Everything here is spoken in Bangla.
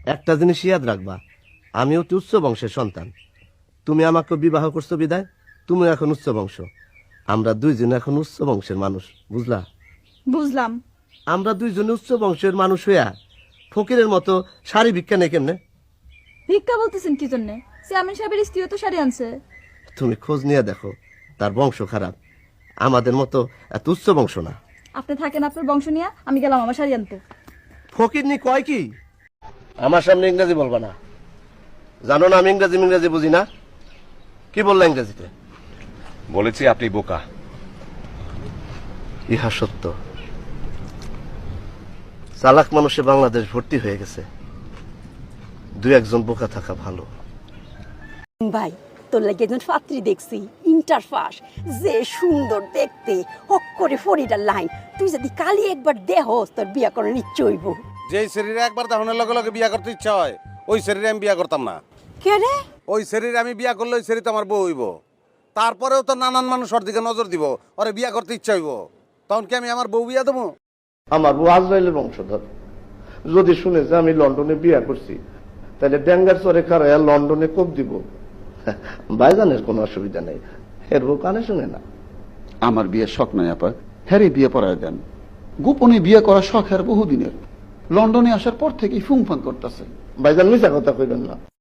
একটা জিনিস ইয়াদ রাখবা, আমি অতি উচ্চ বংশের সন্তান। তুমি আমাকে বিবাহ করছো বিদায়, তুমি এখন উচ্চ বংশ। আমরা দুইজন এখন উচ্চ বংশের মানুষ, বুঝলা? বুঝলাম। আমরা দুইজনে উচ্চ বংশের মানুষ হইয়া ফকিরের মতো শাড়ি ভিক্ষা নেই কেমনে? ভিক্ষা বলতেছেন কি জন্যে? চেয়ারম্যান সাহেবের স্ত্রীও তো শাড়ি আনছে। তুমি খোঁজ নিয়ে দেখো, তার বংশ খারাপ, আমাদের মতো এত উচ্চ বংশ না। আপনি থাকেন আপনার বংশ নিয়ে, আমি গেলাম আমার শাড়ি আনতে। ফকিরনি কয় কি? আমার সামনে ইংরেজি বলবা না, জানো না আমি ইংরেজি বুঝি না। কি বললা ইংরেজিতে? বলেছি আপনি বোকা। ইহা সত্য, চালাক মানুষে বাংলাদেশ ভর্তি হয়ে গেছে, দু একজন বোকা থাকা ভালো। ভাই তোর লাগে একজন পাত্রী দেখছি, ইন্টার পাস, যে সুন্দর দেখতে, হক করে ফরিডার লাইন। তুই যদি কালি একবার দেহস তোর বিয়া করার ইচ্ছে হইব। যেই শরীরে একবার দাহনের লগে লগে বিয়া করতে ইচ্ছা হয়, ওই শরীরে আমি বিয়া করতাম না। কে রে? ওই শরীরে আমি বিয়া করলে ওই শরীরে আমার বউ হইব। তারপরেও তো নানান মানুষ ওর দিকে নজর দিব, ওরে বিয়া করতে ইচ্ছা হইব। তখন কি আমি আমার বউ বিয়া দেবো? আমার বউ আজরাইলের বংশধর। যদি শুনে যে আমি লন্ডনে বিয়া করছি, তাহলে ড্যাঙ্গার চরে খারাইয়া লন্ডনে কোপ দিব। ভাইজানের কোনো অসুবিধা নেই, এর বউ কানে শুনে না। আমার বিয়ের শখ নাই আপা, হ্যারি বিয়ে পড়ায় দেন। গোপনে বিয়ে করার শখ আর বহুদিনের। লন্ডনে আসার পর থেকেই ফুংফান করতেছে। ভাইজান মিছা কথা কইবেন না।